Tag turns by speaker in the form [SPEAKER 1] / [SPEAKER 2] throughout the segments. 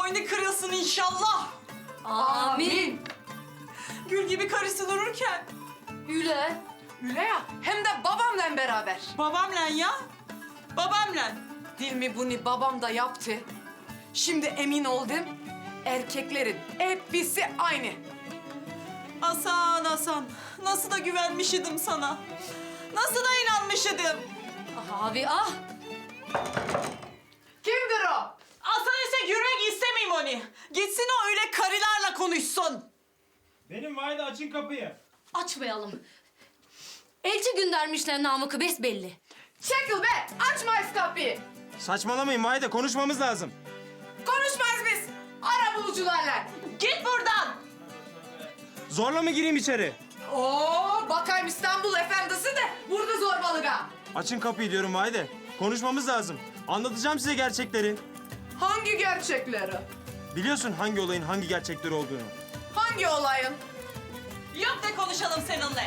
[SPEAKER 1] boynu kırılsın inşallah.
[SPEAKER 2] Amin.
[SPEAKER 1] Gül gibi karısı dururken.
[SPEAKER 2] Üle.
[SPEAKER 3] Üle ya, hem de babamla beraber.
[SPEAKER 1] Babamla ya. Babamla.
[SPEAKER 3] Değil mi bunu babam da yaptı. Şimdi emin oldum, erkeklerin hepsi aynı.
[SPEAKER 1] Hasan Hasan. Nasıl da güvenmiş idim sana. Nasıl da inanmış idim.
[SPEAKER 2] Ah abi ah.
[SPEAKER 3] Kimdir o?
[SPEAKER 1] Hasan ise yürümek istemeyeyim onu. Gitsin o öyle karılarla konuşsun.
[SPEAKER 4] Benim Vahide, açın kapıyı.
[SPEAKER 2] Açmayalım. Elçi göndermişler Namık'ı besbelli.
[SPEAKER 3] Çekil be, açmayız kapıyı.
[SPEAKER 4] Saçmalamayın Vahide, konuşmamız lazım.
[SPEAKER 3] Konuşmayız biz, ara bulucularla.
[SPEAKER 1] Git buradan.
[SPEAKER 4] Zorla mı gireyim içeri?
[SPEAKER 3] Oo, bakayım İstanbul efendisi de burada zorbalığa.
[SPEAKER 4] Açın kapıyı diyorum Vahide. Konuşmamız lazım. Anlatacağım size gerçekleri.
[SPEAKER 3] Hangi gerçekleri?
[SPEAKER 4] Biliyorsun hangi olayın hangi gerçekleri olduğunu.
[SPEAKER 3] Hangi olayın?
[SPEAKER 1] Yok da konuşalım seninle.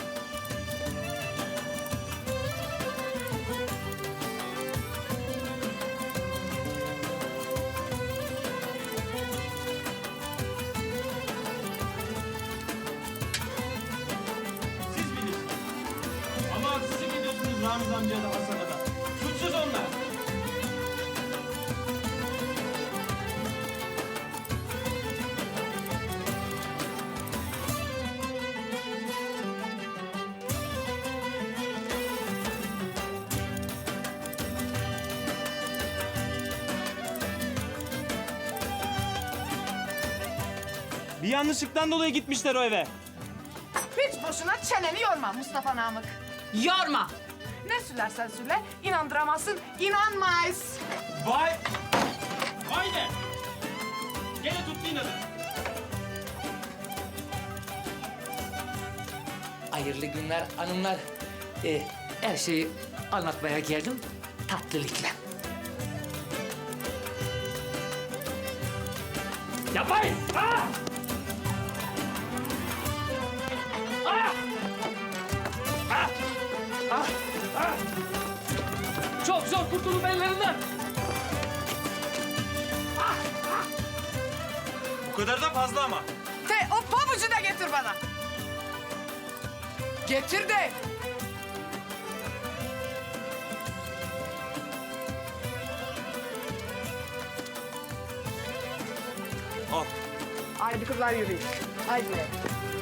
[SPEAKER 4] Siz bilirsiniz. Ama haksızlık ediyorsunuz Ramiz amcaya da Hasan'a da. Suçsuz onlar. Bir yanlışlıktan dolayı gitmişler o eve.
[SPEAKER 3] Hiç boşuna çeneni yorma Mustafa Namık.
[SPEAKER 1] Yorma.
[SPEAKER 3] Ne söylersen söyle, inandıramazsın, inanmayız.
[SPEAKER 4] Vay! Vahide! Gene tuttu inadı.
[SPEAKER 5] Hayırlı günler hanımlar. Her şeyi anlatmaya geldim tatlılıkla. Yapmayın! Ah! Ah! Ah! Ah! Ah! Çok zor kurtulun ellerinden.
[SPEAKER 4] Bu kadar da fazla ama.
[SPEAKER 3] O pabucu da getir bana. Getir de.
[SPEAKER 4] Al.
[SPEAKER 3] Haydi kızlar yürüyün. Haydi.